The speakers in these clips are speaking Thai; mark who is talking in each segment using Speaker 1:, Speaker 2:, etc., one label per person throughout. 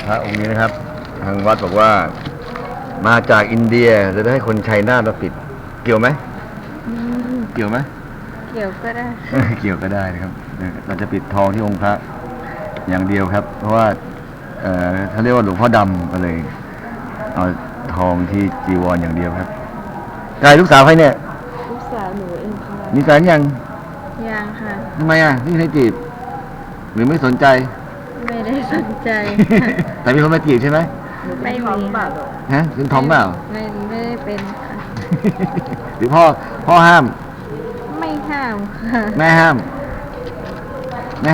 Speaker 1: พระองค์นี้นะครับทางวัดบอกว่ามาจากอินเดียจะได้ให้คนชัยนาทมาปิดเกี่ยวไหมเกี่ยวไหม
Speaker 2: เกี่ยวก็ได้
Speaker 1: เกี่ยวก็ได้นะครับเราจะปิดทองที่องค์พระอย่างเดียวครับ เพราะว่าเขาเรียกว่าหลวงพ่อดำก็เลยเอาทองที่จีวรอย่างเดียวครับกายลูกสาวใครเนี่ย
Speaker 2: ลูกสาวหนูเองค่ะ
Speaker 1: มีแฟนยัง
Speaker 2: ค่ะ
Speaker 1: ทำไมไม่ใช่จีบหรือไม่สนใจ
Speaker 2: ไม่ได้สนใจ
Speaker 1: แต่มีคนมาจีบใช่ไหม
Speaker 2: ไม่มีค่ะ
Speaker 1: ฮะเป็นทอมเปล่า
Speaker 2: ไม่ได้เป็นค่ะ
Speaker 1: หรือพ่อห้าม
Speaker 2: ไม่ห้ามค่ะ
Speaker 1: แม่ห้ามไหม
Speaker 2: แม่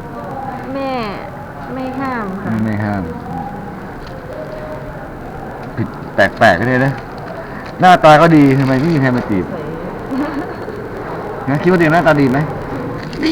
Speaker 2: ไม่ห้ามค่ะ
Speaker 1: ไม่ห้ามผิดแปลกๆกันเลยนะหน้าตาก็ดีทำไมไม่มีใครมาจีบนะคิดว่าเด็กหน้าตาดีไหมดี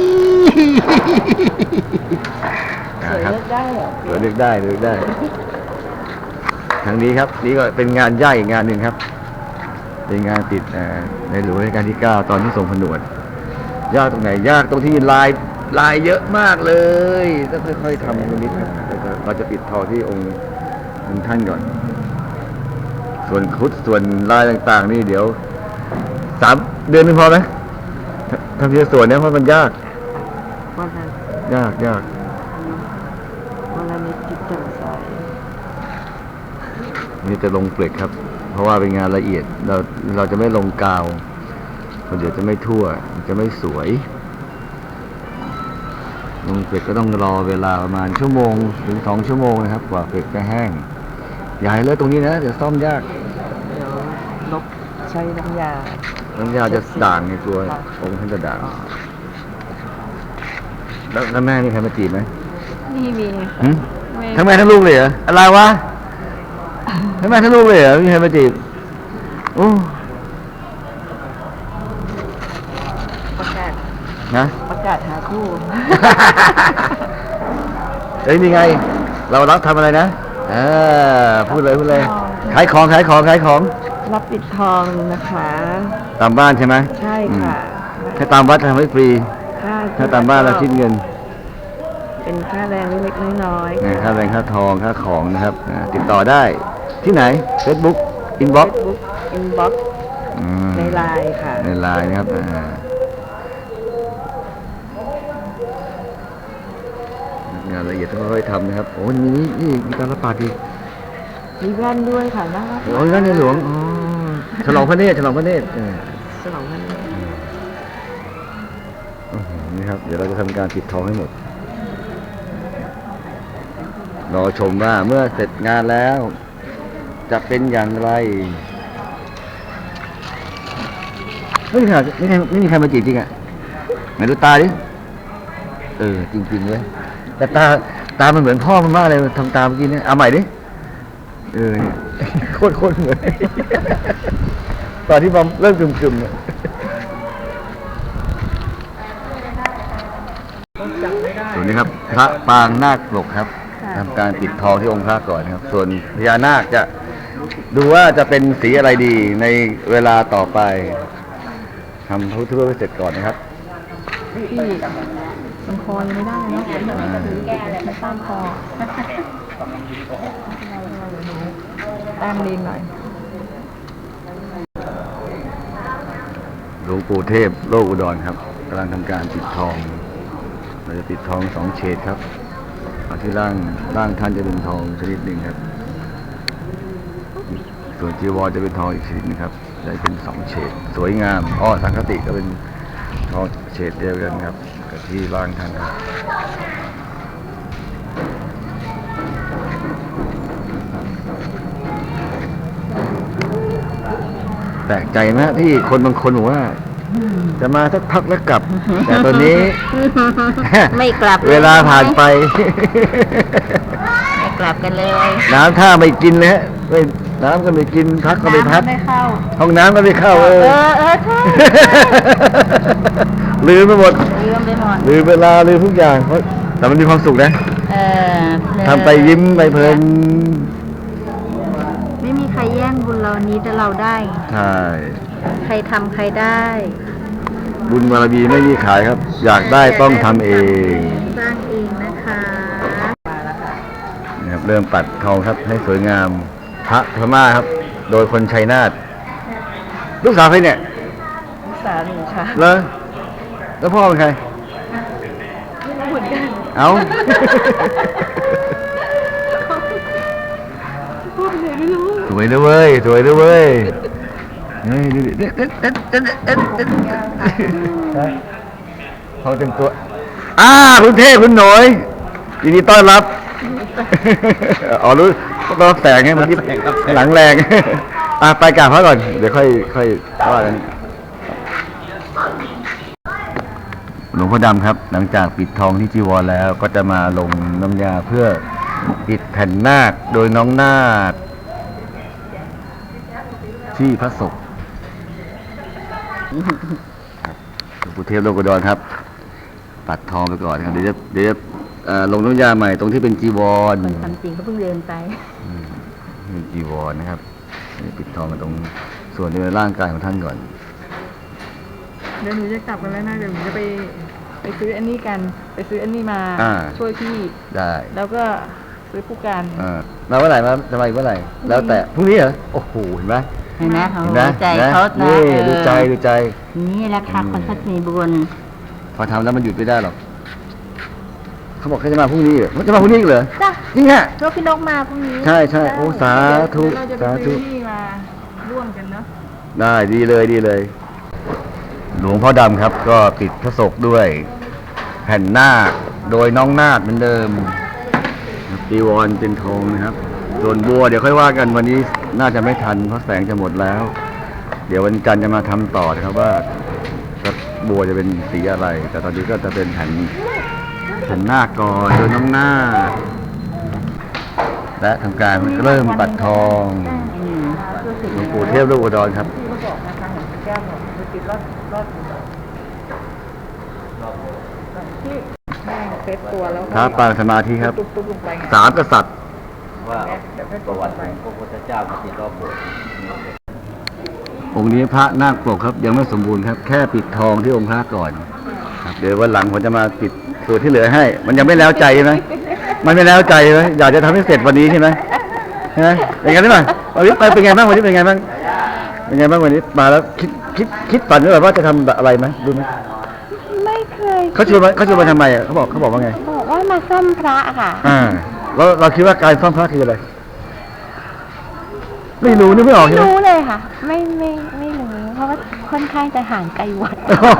Speaker 2: สวยเลือกได้เหรอ
Speaker 1: สวยเลือกได้ทางนี้ครับนี่ก็เป็นงานใหญ่อีกงานหนึ่งครับเป็นงานติดในหลวงรัชกาลที่ 9ตอนที่ทรงผนวดยากตรงไหนยากตรงที่ลายเยอะมากเลยต้องค่อยๆทำนิดๆครับเราจะปิดทองที่องค์ท่านก่อนส่วนคุดส่วนลายต่างๆนี่เดี๋ยว3 เดือนนึงพอไหมทำทีละส่วนเนี่ยเพราะมันยาก
Speaker 2: วันนั้น
Speaker 1: ยาก
Speaker 2: วันละนิดจิตจังใส
Speaker 1: นี่จะลงเปลือกครับเพราะว่าเป็นงานละเอียดเราจะไม่ลงกาวเดี๋ยวจะไม่ทั่วจะไม่สวยลงเปลือกก็ต้องรอเวลาประมาณ1 ชั่วโมงถึง2 ชั่วโมงนะครับกว่าเปลือกจะแห้งอย่าให้เลอะตรงนี้นะเดี๋ยวซ่อมยาก
Speaker 2: เดี๋ยวลบใช้น้ำยา
Speaker 1: จะด่างในตัวองค์ท่านจะด่างแล้วแม่นี่ใครมาจีบไหม
Speaker 2: นี่มี
Speaker 1: ทั้งแม่ทั้งลูกเลยเหรออะไรวะทั้งแม่ทั้งลูกเลยเหรอมีใครมาจีบโอ้
Speaker 2: ประกาศหาคู่
Speaker 1: เอ้ยนี่ไงเรารับทำอะไรนะพูดเลยขายของ
Speaker 2: รับปิดทองนะคะ
Speaker 1: ตามบ้านใช่ไหม
Speaker 2: ใช่ค่ะ
Speaker 1: ถ้าตามวัดทำให้ฟรีถ้าตามบ้านเราคิดเงิน
Speaker 2: เป็นค่าแรงเล็กๆน้อย
Speaker 1: ๆค่าแรงค่าทองค่าของนะครับติดต่อได้ที่ไหน Facebook Inbox
Speaker 2: ในไลน์ค่ะ
Speaker 1: ในไลน์นะครับงานละเอียดต้องค่อยๆทำนะครับโอ้นี่มีการรับปากอีก
Speaker 2: มีแว่นด้วยค่ะน่ารัก
Speaker 1: โอ้ยแว่นในหลวงฉลองพระเนตร
Speaker 2: ฉลองพระเนตร
Speaker 1: นี่ครับเดี๋ยวเราจะทำการปิดทองให้หมดรอชมว่าเมื่อเสร็จงานแล้วจะเป็นอย่างไรไม่มีใครมาจีบจริงอ่ะไหนดูตาดิจริงๆเลยแต่ตามันเหมือนพ่อมันมากเลยทำตาเมื่อกี้เนี่ยเอาใหม่ดิโคตรเหมือนตอนที่บอมเริ่มกึ่มๆเนี่ยส่วนนี้ครับพระปางนาคปลกครับทำการปิดทองที่องค์พระก่อนครับส่วนพญานาคจะดูว่าจะเป็นสีอะไรดีในเวลาต่อไปทำพระพุทธรูปให้เสร็จก่อนนะครับ
Speaker 2: พี่มันคอยังไม่ได้เนาะไม่ตามคอตามลีนหน่อย
Speaker 1: หลวงปู่เทพโลกอุดรครับกำลังทำการปิดทองเราจะปิดทอง2 เฉดครับเอาที่ร่างท่านจะเป็นทองชนิดหนึ่งครับส่วนจีวรจะเป็นทองอีกชนิดนึงครับจะเป็น2 เฉดสวยงามสังฆติก็เป็นทองเฉดเดียวกันครับกับที่ร่างท่านครับแปลกใจไหมที่คนบางคนบอกว่าจะมาสักพักแล้วกลับแต่ตอนนี้
Speaker 2: ไม่กลับ
Speaker 1: เวลาผ่านไป
Speaker 2: ไม่กลับกันเลย
Speaker 1: น้ำท่าไม่กินเลยน้ำก็ไม่กินพักก็ไม่พัก
Speaker 2: ไม่เข้า
Speaker 1: ห้องน้ำก็ไม่เข้า
Speaker 2: ใช่
Speaker 1: ลืมไปหมดลืมเวลาลืมทุกอย่างแต่มันมีความสุขนะทำไปยิ้มไปเพลิน
Speaker 2: ไม่มีใครแย่งบุญเรานี้แต่เราได้
Speaker 1: ใช่
Speaker 2: ใครทำใครได้
Speaker 1: บุญบารมีไม่มีขายครับอยากได้ต้องทำเอง
Speaker 2: สร้างเองนะคะ
Speaker 1: เริ่มปัดทองครับ ให้สวยงามพระพม่าครับ โดยคนชัยนาทลูกสาวใครเนี่ย
Speaker 2: สามีค่ะ
Speaker 1: แล้วพ่อเป็นใคร
Speaker 2: ไม่รู้เหมือนกัน
Speaker 1: เอ้า
Speaker 2: พูดเลยไม่รู้
Speaker 1: สวยด้วยเว้ยสวยด้วยเว้ยเฮ้ยดูดิเขาเต็มตัวคุณเท่คุณหน่อยยินดีต้อนรับอ๋อรู้ต้อนรับแสงไงเมื่อกี้หลังแรงไปกราบพระก่อนเดี๋ยวค่อยว่ากันหลวงพ่อดำครับ หลังจากปิดทองที่จีวรแล้วก็จะมาลงน้ำยาเพื่อปิดแผ่นนาคโดยน้องนาคที่พระศพหลวงปู่เทพโลกอุดรครับ ปัดทองไปก่อนครับเดี๋ยวจะลงน้ำยาใหม่ตรงที่เป็นจีวร
Speaker 2: มันความจริงเขาเพิ่งเรียนไป
Speaker 1: นี่จีวรนะครับปิดทองกันตรงส่วนในร่างกายของท่านก่อน
Speaker 2: เดี๋ยวหนูจะกลับกันแล้วนะเดี๋ยวหนูจะไปซื้ออันนี้กันไปซื้ออันนี้มาช่วยพี่
Speaker 1: ได้
Speaker 2: แล้วก็ซื้อผู้การ
Speaker 1: มาเมื่อไหร่จะมาอีกเมื่อไหร่แล้วแต่พรุ่งนี้เหรอโอ้โหเห็นไหม
Speaker 3: เห็นไหมเขา
Speaker 1: เห็นไหม
Speaker 3: ใจเขานะ
Speaker 1: นี่ดูใจ
Speaker 3: นี่แหละค่ะคนทัศนีบุญ
Speaker 1: พอทำแล้วมันหยุดไม่ได้หรอกเขาบอกเขาจะมาพรุ่งนี้เหรอเขาจะมาพรุ่งนี้อีกเหรอ
Speaker 3: จ้ะ
Speaker 1: จริงฮะ
Speaker 3: รถพี่นกมาพรุ่งนี้
Speaker 1: ใช่โอ้สาธุ
Speaker 2: เราจะไป
Speaker 1: สาธุ
Speaker 2: ซื้อนี่มาร่วมกันเนาะ
Speaker 1: ได้ดีเลย หลวงพ่อดำครับ ก็ปิดพระศกด้วยแผ่นนาคโดยน้องนาคเหมือนเดิมจีวรเป็นทองนะครับส่วนบัวเดี๋ยวค่อยว่ากันวันนี้น่าจะไม่ทันเพราะแสงจะหมดแล้ว เดี๋ยววันจันทร์จะมาทำต่อนะครับว่าบัวจะเป็นสีอะไร แต่ตอนนี้ก็จะเป็นแผ่นนาคก่อนโดยน้องนาคและทำการเริ่มปัดทองหลวงปู่เทพโลกอุดรครับ
Speaker 2: แม่งเซตตัวแล้ว
Speaker 1: พระปางสมาธิครับ
Speaker 2: ตุ๊บลงไปไง
Speaker 1: สามกษัตริย์
Speaker 4: ว่าประวัติของพระพุทธเจ้าปฏิรอบโบสถ์
Speaker 1: องค์นี้พระนาคปกครับยังไม่สมบูรณ์ครับ แค่ปิดทองที่องค์พระก่อนครับเดี๋ยววันหลังผมจะมาปิดส่วนที่เหลือให้ มันยังไม่แล้วใจใช่ไหมมันไม่แล้วใจใช่ไหมอยากจะทำให้เสร็จวันนี้ใช่ไหมใช่ไหมเป็นไงบ้างวันนี้ไปเป็นไงบ้างวันนี้เป็นไงบ้างวันนี้มาแล้วคิดฝันไว้แบบว่าจะทำอะไรไหมรู้ไหม
Speaker 3: ไม่เคย
Speaker 1: เขาชวนมาทำไมอ่ะเขาบอกว่าไง
Speaker 3: บอกว่ามาซ่อมพระค่ะ
Speaker 1: แล้วเราคิดว่าการซ่อมพระคืออะไรไม่รู้นึกไม่ออก
Speaker 3: ไม่
Speaker 1: ใช่ไหม
Speaker 3: รู้เลยค่ะ ไม่รู้เพราะว่าค่อนข้างจะห่างไกลวัด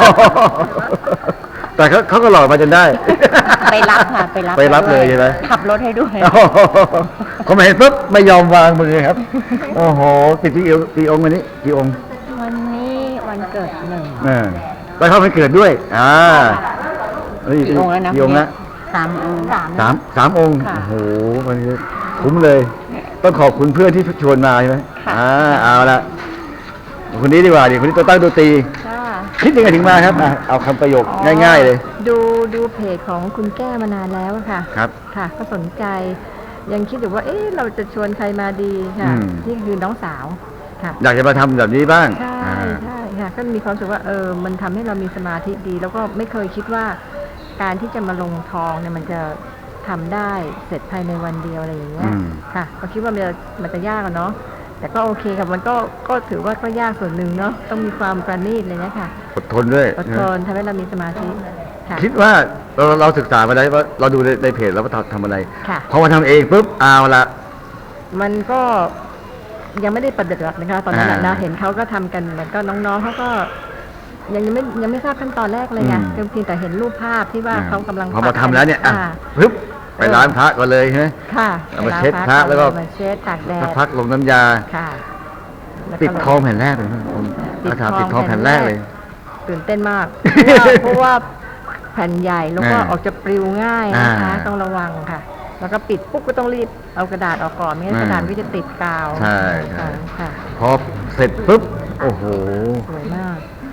Speaker 1: แต่เขาก็หลอกมาจนได้
Speaker 3: ไปรับค่ะไปรับ
Speaker 1: เลยใช่ไหม
Speaker 3: ขับรถให้ด้วย
Speaker 1: เขาไม่เห็นปุ๊บไม่ยอมวางมือครับ โอ้โหติดกี่องค์วันนี้กี่องค์
Speaker 3: วันนี้วันเกิดหนึ่ง
Speaker 1: ไปเข้าไปเกิดด้วย
Speaker 3: กี่องค์แล้วนะ
Speaker 1: กี่องค์ละ
Speaker 3: 3 องค์
Speaker 1: สามองค์
Speaker 3: ค่ะ
Speaker 1: โอ้โหมันคุ้มเลย ต้องขอบคุณเพื่อนที่ชวนมาใช่ไหม
Speaker 3: ค่ะ
Speaker 1: เอาละคนนี้ดีกว่าคนนี้ตัวตั้งตัวตี
Speaker 3: ค่ะ
Speaker 1: คิดยังไงถึงมาครับเอาคำประโยคง่ายๆเลย
Speaker 2: ดูเพจของคุณแก้มานานแล้วอะค่ะ
Speaker 1: ครับ
Speaker 2: ค่ะ ก็สนใจ ยังคิดอยู่ว่าเราจะชวนใครมาดีค่ะ นี่คือน้องสาวค่ะ
Speaker 1: อยากจะมาทำแบบนี้บ้าง
Speaker 2: ใช่ค่ะก็มีความรู้สึกว่ามันทำให้เรามีสมาธิดี แล้วก็ไม่เคยคิดว่าการที่จะมาลงทองเนี่ยมันจะทำได้เสร็จภายในวันเดียวอะไรอย่างเงี้ยค่ะก็คิดว่ามันจะยากอะเนาะแต่ก็โอเคค่ะมันก็ถือว่าก็ยากส่วนหนึ่งเนาะต้องมีความประณีตอะไรเงี้ยค่ะ
Speaker 1: อดทนด้วย
Speaker 2: อดทนทำให้เรามีสมาธิค่ะ
Speaker 1: คิดว่าเราศึกษามาได้ว่าเราดูในเพจแล้วว่าทำอะไร
Speaker 2: ค่ะ
Speaker 1: พอมาทำเองปุ๊บเอาละ
Speaker 2: มันก็ยังไม่ได้ประดิษฐ์นะคะตอนนั้นน่ะ
Speaker 1: อ่า
Speaker 2: นะเห็นเขาก็ทำกันแล้วก็น้องๆเขาก็ยังไม่ทราบขั้นตอนแรกเลยไงเพียงแต่เห็นรูปภาพที่ว่าเขากำลัง
Speaker 1: พอมาทำแล้วเนี่ย
Speaker 2: อ่า
Speaker 1: ปึ๊บไปล้างพระก่อนเลยใช่ไหม
Speaker 2: ค่ะ
Speaker 1: เอามาเช็ดพระแล้วก็
Speaker 2: มาเช็ดตากแด
Speaker 1: สัก
Speaker 2: ด
Speaker 1: พักลงน้ำยา
Speaker 2: ค่ะแล้วก็
Speaker 1: ติดทองแผ่นแรกเลยนะผม
Speaker 2: ติด
Speaker 1: อาถามติดทองแผ่นแรกเลย
Speaker 2: ตื่นเต้นมาก เพราะว่าแผ่นใหญ่แล้วก็
Speaker 1: อ่า
Speaker 2: ออกจะปลิวง่ายนะคะ
Speaker 1: อ่า
Speaker 2: ต้องระวังค่ะ แล้วก็ปิดปุ๊บก็ต้องรีบเอากระดาษออกก่อนไม่งั้นกระดาษก็จะติดกาว
Speaker 1: ใช่
Speaker 2: ค่ะ
Speaker 1: พอเสร็จปุ๊บโอ้โห
Speaker 2: สวยมาก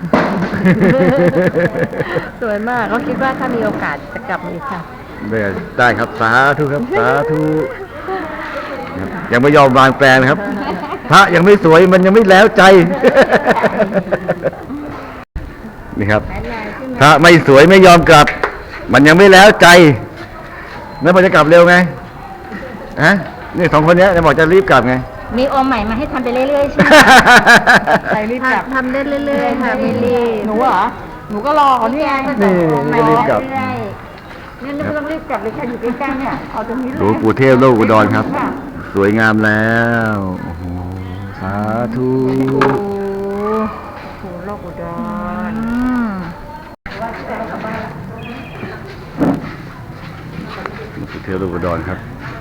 Speaker 2: สวยมากก็คิดว่าถ้ามีโอกาสจะกลับมาอีกค่ะ
Speaker 1: ได้ครับสาธุครับสาธุครับยังไม่ยอมวางแปลงนะครับ พระยังไม่สวยมันยังไม่แล้วใจ นี่ครับ พระไม่สวยไม่ยอมกลับ มันยังไม่แล้วใจแล้วมันจะกลับเร็วไงฮะนี่2 คนเนี้ยจะบอกจะรีบกลับไง
Speaker 3: มีโอมใหม่มาให้ทำไปเรื่อยๆใช่ไหม
Speaker 2: ไปรีบกลับทำได้เรื่อยๆค่ะไม่รีบ
Speaker 3: หนูเหรอ
Speaker 2: หนูก็รอเขาเนี่ย
Speaker 1: นี่นี่รีบกลับ
Speaker 2: งั้นไม่ต้องรีบกลับเลยค่ะอยู่ใกล้ๆเนี่ยเอาตรงนี้
Speaker 1: ห
Speaker 2: เล
Speaker 1: ลวง
Speaker 2: ย
Speaker 1: ปู่เทพโลกอุดรครับ สวยงามแล้วโอ้โหสาธุ
Speaker 2: โอ้โหโลกอุดร
Speaker 1: หลวงปู่เทพโลกอุดรครับ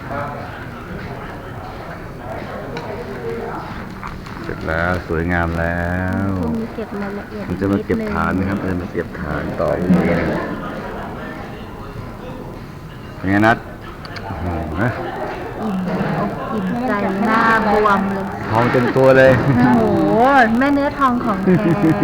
Speaker 1: เสร็จแล้วสวยงามแล้ว
Speaker 2: มีเก็บรายละเอียด
Speaker 1: มันจะมาเก็บฐานนะครับมันจะมาเก็บฐานต่อตรงนี้นะครับเป็นไงนัดโอ้โหนะ
Speaker 2: อิ่มใจหน้าบวมเลย
Speaker 1: ทองเต็มตัวเลย
Speaker 2: โอ้โหแม่เนื้อทองของแท้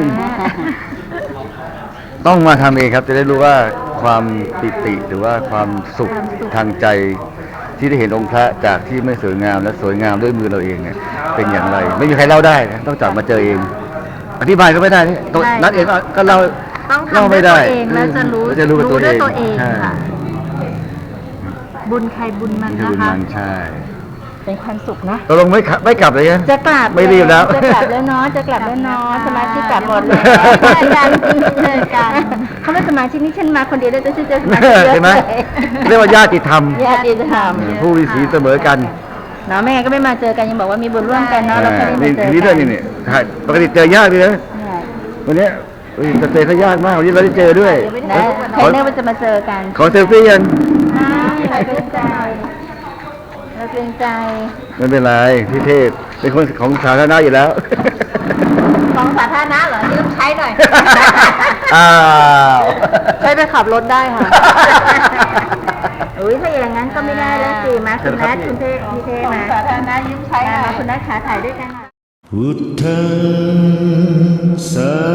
Speaker 1: ต้องมาทำเองครับ จะได้รู้ว่าความปิติหรือว่าความสุขทางใจที่ได้เห็นองค์พระจากที่ไม่สวยงามและสวยงามด้วยมือเราเองเนี่ยเป็นอย่างไร ไม่มีใครเล่าได้นะต้องจับมาเจอเอง อธิบายก็ไม่ได้นี่ตัวนัดเองก็เล่า
Speaker 2: ต้อง
Speaker 1: เล่า
Speaker 2: ทำด้
Speaker 1: ไม่
Speaker 2: วย
Speaker 1: ได้
Speaker 2: ตัวเองแล้วจะรู้
Speaker 1: แล้วจะรู้กับตัว
Speaker 2: ด้วย
Speaker 1: เอง
Speaker 2: ตัวเอง
Speaker 1: ใช่
Speaker 2: ค่ะ บุญใครบุญมัน
Speaker 1: คือ
Speaker 2: นะ
Speaker 1: บุญ
Speaker 2: คะ
Speaker 1: มันใช่
Speaker 3: เป็นความสุขนะ
Speaker 1: ตกลงไม่กลับเลยนะ
Speaker 3: จะกลับ
Speaker 1: ไม่รีบแล้ว
Speaker 3: จะกลับแล้วเนาะจะกลับแล้วเนาะสมาชิกกลับหมดเลยอาจารย์เจอกันเขาไม่สมาชิกนี่ฉันมาคนเดียวได้แต่ฉันเจอสมาชิกเยอะ
Speaker 1: ใช่ไหมเรียกว่าญาติธรรม
Speaker 3: ญาติธรรม
Speaker 1: ผู้มีศีลเสมอกัน
Speaker 3: เนาะแม่งั้นก็ไม่มาเจอกันยังบอกว่ามีบุญร่วมกันเนาะเราแค่ได้มา
Speaker 1: นี่
Speaker 3: เจอ
Speaker 1: ทีนี้
Speaker 3: กั
Speaker 1: ด้วยนี่ใช่ปกติเจอยากเลยนะ
Speaker 3: เนี่ย
Speaker 1: วันเนี้ยจะเจอเขายากมากวันนี้เราได้เจอด้วย
Speaker 3: นะใครเนื่อว่าจะมาเจอกัน
Speaker 1: ขอเซลฟี่ยัง
Speaker 3: เราเกรงใจเราเกรงใจ
Speaker 1: ไม่เป็นไรพี่เทพเป็นคนของสาธารณะอยู่แล้ว
Speaker 3: ของสาธารณะเหรอยืมใช้หน่อย
Speaker 1: อ้าว
Speaker 2: ใช้ไปขับรถได้ค่ะ
Speaker 3: อุ้ยถ้าอย่างนั้นก็ไม่ได้แล้วสิมาคุณนัทคุณเทพพี่เทพมาสาธารณะยืมใช้มาคุณนัทขาถ่ายด้วยกันหน่อย
Speaker 5: พุทธังสา